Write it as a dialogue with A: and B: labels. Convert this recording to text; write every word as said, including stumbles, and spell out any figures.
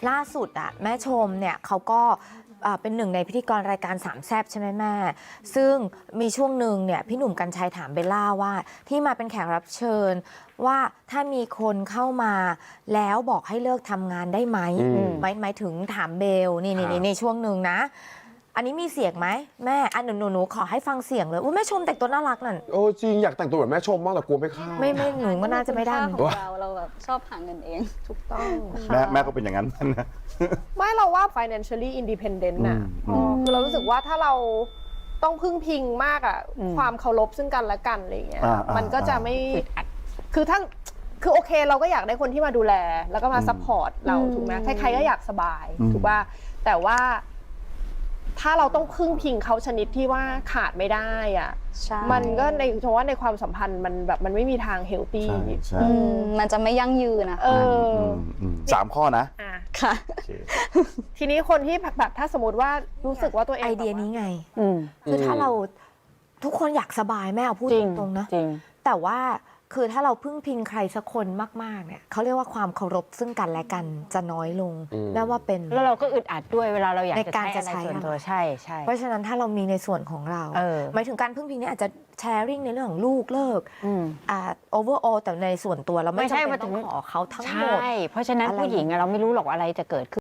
A: ล่าสุดอะแม่ชมเนี่ยเขาก็เป็นหนึ่งในพิธีกรรายการสามแซบใช่ไหมแม่ซึ่งมีช่วงหนึ่งเนี่ยพี่หนุ่มกรรชัยถามเบลล่าว่าที่มาเป็นแขกรับเชิญว่าถ้ามีคนเข้ามาแล้วบอกให้เลิกทำงานได้ไหมหมายหมายถึงถามเบลนี่นี่ในช่วงหนึ่งนะอันนี้มีเสียงไหมแม่อันหนูหนูขอให้ฟังเสียงเลยอุ้ยแม่ชมแต่งตัวน่ารักนั่น
B: โอ้จริงอยากแต่งตัวแบบแม่ชมมากแต่กลัวไม่เข้า
A: ไม่ไม่หนูก็น่าจะไม่ได้
C: ของเราเราแบบชอบหาเงินเอง
D: ถูกต้อง
E: แม่แม่ก็เป็นอย่างนั้นนะ
D: ไม่เราว่า financially independent น่ะคือเรารู้สึกว่าถ้าเราต้องพึ่งพิงมากอ่ะความเคารพซึ่งกันและกันอะไรเงี้ยมันก็จะไม่คือถ้าคือโอเคเราก็อยากได้คนที่มาดูแลแล้วก็มาซัพพอร์ตเราถูกไหมใครๆก็อยากสบายถูกป่ะแต่ว่าถ้าเราต้องพึ่งพิงเขาชนิดที่ว่าขาดไม่ได้อ่ะมันก็ในเพราะว่าในความสัมพันธ์มันแบบมันไม่มีทางเฮลตี้
C: มันจะไม่ยั่งยืนนะ
E: สามข้อนะ
C: ค่ะ
D: ทีนี้คนที่แบบถ้าสมมติว่ารู้สึกว่าตัวเอง
A: ไอเดียนี้ไงคือถ้าเราทุกคนอยากสบายแม่เอาพูดตรงๆนะแต่ว่าคือถ้าเราพึ่งพิงใครสักคนมากๆเนี่ยเขาเรียกว่าความเคารพซึ่งกันและกันจะน้อยลงแม้ว่าเป็น
F: แล้วเราก็อึดอัดด้วยเวลาเราอยาก
A: จะใช้
F: ส่วนตัวใช่ใช่
A: เพราะฉะนั้นถ้าเรามีในส่วนของเราหมายถึงการพึ่งพิงนี่อาจจะแชร์ริ่งในเรื่องของลูกเลิกอ่าโอเวอร์ออลแต่ในส่วนตัวเราไม่จำเป็นต้องขอเขาทั้งหมด
F: ใช่เพราะฉะนั้นผู้หญิงเราไม่รู้หรอกอะไรจะเกิดขึ้น